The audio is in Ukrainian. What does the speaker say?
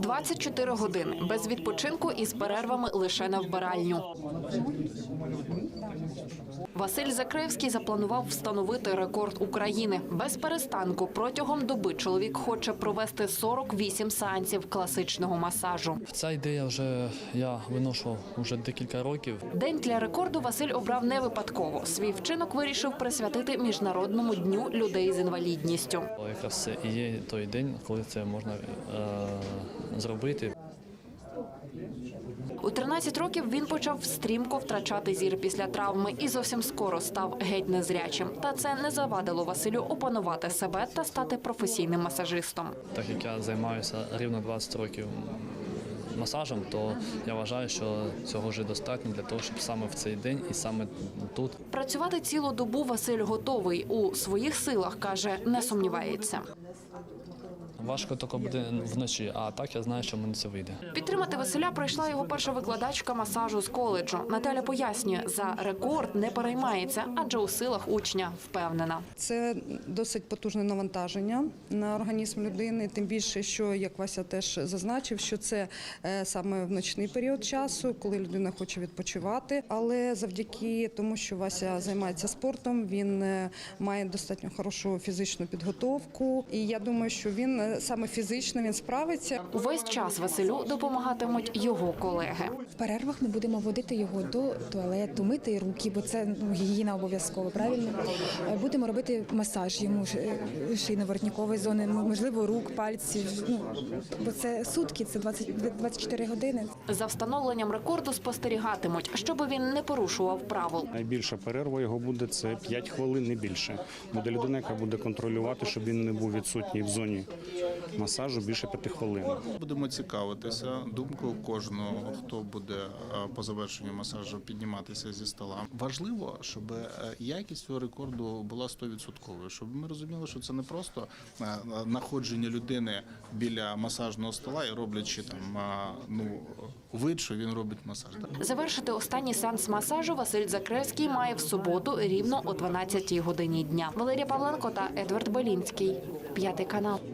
24 години, без відпочинку і з перервами лише на вбиральню. Василь Закревський запланував встановити рекорд України. Без перестанку протягом доби чоловік хоче провести 48 сеансів класичного масажу. Ця ідея я виношу вже декілька років. День для рекорду Василь обрав не випадково. Свій вчинок вирішив присвятити Міжнародному дню людей з інвалідністю. Якраз це і є той день, коли це можна зробити. У 13 років він почав стрімко втрачати зір після травми і зовсім скоро став геть незрячим. Та це не завадило Василю опанувати себе та стати професійним масажистом. Так як я займаюся рівно 20 років масажем, то я вважаю, що цього вже достатньо для того, щоб саме в цей день і саме тут. Працювати цілу добу Василь готовий. У своїх силах, каже, не сумнівається. Важко тільки буде вночі, а так я знаю, що в мене це вийде. Підтримати Василя прийшла його перша викладачка масажу з коледжу. Наталя пояснює, за рекорд не переймається, адже у силах учня впевнена. Це досить потужне навантаження на організм людини, тим більше, що, як Вася теж зазначив, що це саме в ночний період часу, коли людина хоче відпочивати. Але завдяки тому, що Вася займається спортом, він має достатньо хорошу фізичну підготовку. І я думаю, що він саме фізично він справиться. Увесь час Василю допомагатимуть його колеги. В перервах ми будемо водити його до туалету, мити руки, бо це гігієна обов'язково, правильно? Будемо робити масаж йому шийно-воротникової зони, можливо, рук, пальців. Бо це сутки, це 24 години. За встановленням рекорду спостерігатимуть, щоб він не порушував правил. Найбільша перерва його буде – це 5 хвилин, не більше. Буде людина, яка буде контролювати, щоб він не був відсутній в зоні масажу більше 5 хвилин. Будемо цікавитися думкою кожного, хто буде по завершенню масажу підніматися зі стола. Важливо, щоб якість цього рекорду була 100%, щоб ми розуміли, що це не просто знаходження людини біля масажного стола і роблячи вид, що він робить масаж. Завершити останній сеанс масажу Василь Закревський має в суботу рівно о 12-й годині дня. Валерія Павленко та Едвард Белінський. 5 канал.